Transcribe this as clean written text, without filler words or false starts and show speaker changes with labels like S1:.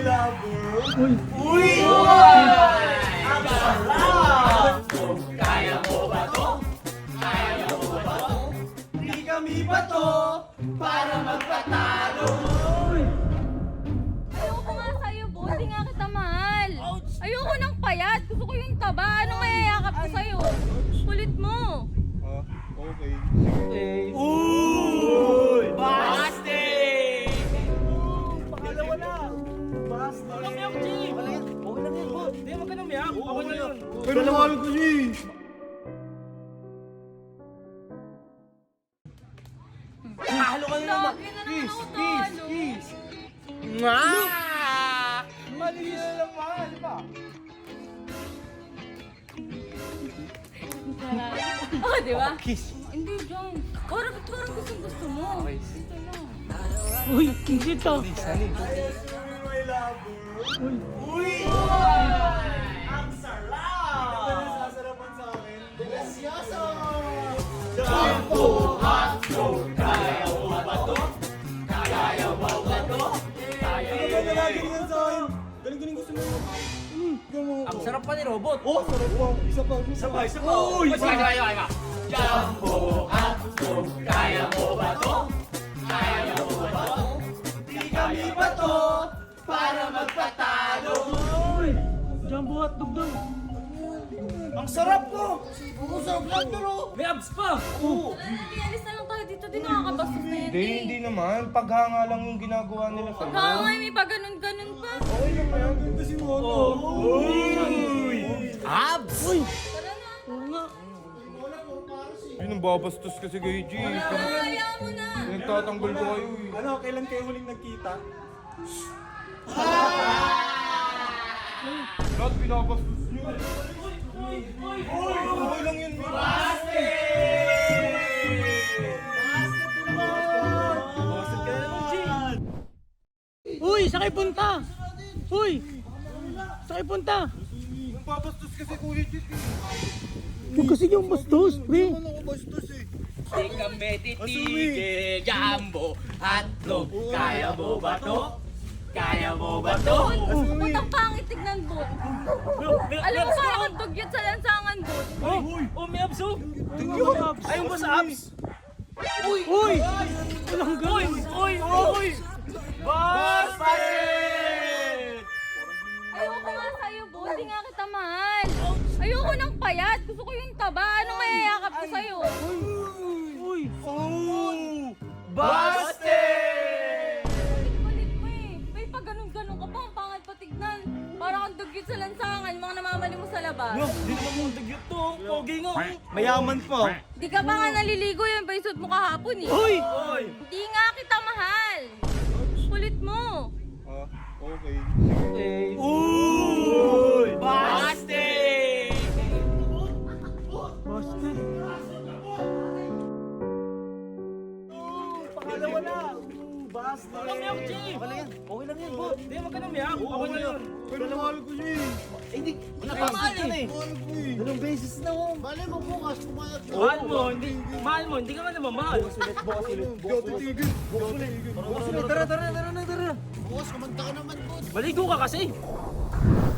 S1: Uy!
S2: Uy! Ang sarap! Kaya mo ba to? Kaya mo ba to? Di kami ba to para magpatalo?
S3: Ayoko nga sa'yo, boss. Di nga kita mahal. Ayoko ng payat. Gusto ko yung taba. Anong mayayakap ko sa'yo? Kulit mo.
S1: Okay.
S2: Uy! Busted! Pangalawa na! Busted!
S4: Huwag kang miyak, G!
S2: Okay lang yan, bot.
S4: Hindi, huwag ka nang miyak. Okay na yun.
S1: Pero mahal ko siya eh.
S2: Halo ka na naman!
S3: Lagi na naman ako talo.
S2: Nga! Mali na naman, di ba?
S3: Oh, di ba?
S2: Kiss!
S3: Hindi, John. Parang gusto mo.
S2: Okay.
S3: Ito lang.
S4: Uy, hindi to.
S2: Sali. Uy! Ang sarap! Sasarapan sa akin. Delicioso! Jumbo hotdog! Kaya mo ba to? Kaya mo ba to? Kaya mo ba lagi yan sa akin? Galing gusto mo.
S4: Ang sarap pa ni Robot.
S1: Oh, sarap pa. Isa pa.
S2: Isa pa. Uy! Jumbo hotdog! Kaya mo ba to? Kaya mo ba to? Di kami ba to para magpatalo?
S4: Jumbo hotdog daw.
S2: Ang sarap ko! Ang sarap lang to, no?
S4: May abs pa.
S2: Oo.
S3: Ialis na lang tayo dito. Di nakakabastos na yan.
S1: Hindi naman. Paghanga lang yung ginagawa nila sa
S3: Pagkakangay, may pa ganun pa.
S1: Okay lang kaya. Ganda si Mono.
S2: Uy! Abs! Uy!
S3: Tara na.
S4: Oo nga.
S1: Yun ang babastos kasi kay G.
S3: Kaya mo na.
S1: Nagtatanggol ko kayo eh.
S2: Ano, kailan kayo huling nagkita?
S1: Lahat binabastos nyo. Okay lang yun.
S4: Uy, sakay punta. Uy, sakay punta.
S1: Ang babastos kasi Kuya G.
S4: Huwag kasi yung bastos, pre.
S1: Ano ako bastos eh.
S2: Di kami titigil, Jumbo hotdog. Kaya mo ba to? Kaya mo ba to?
S3: Ba't ang pangit tignan, bot? Alam mo, parang ang dugyot sa lansangan, bot.
S4: Oh, may abs oh. Ayun ba sa abs? Uy! Walang ganun. Uy!
S2: Busted!
S3: Ayoko nga sa'yo, bot. Di nga kita mahal. Ayoko ng payat. Gusto ko yung taba. Anong mayayakap ko sa'yo?
S4: Uy!
S2: Busted!
S3: Kulit mo eh. May pag ganun-ganun ka pa. Ang pangit pa tignan. Parang ang dugyot sa lansangan. Mga namamali mo sa labas.
S4: Hindi naman mong dagyot to. Pogi nga.
S2: Mayaman pa.
S3: Di ka pa nga naliligo yan pa yung suit mo kahapon eh.
S4: Uy!
S3: Di nga kita mahal. Kulit mo.
S1: Okay.
S2: Uy! Busted!
S4: Busted.
S2: Pangalawa na! Busted!
S4: Huwag kang miyak, G!
S2: Okay lang yan, bot.
S4: Hindi, huwag ka nang miyak. Okay na yun.
S1: Pero mahal ko siya eh.
S2: Hindi,
S4: Napamahal eh.
S1: Mahal ko eh.
S2: Dalawang beses na oh.
S4: Mahal mo, hindi ka man naman mahal.
S1: Hindi ako titigil.
S2: Tara.
S4: Maligo ka kasi.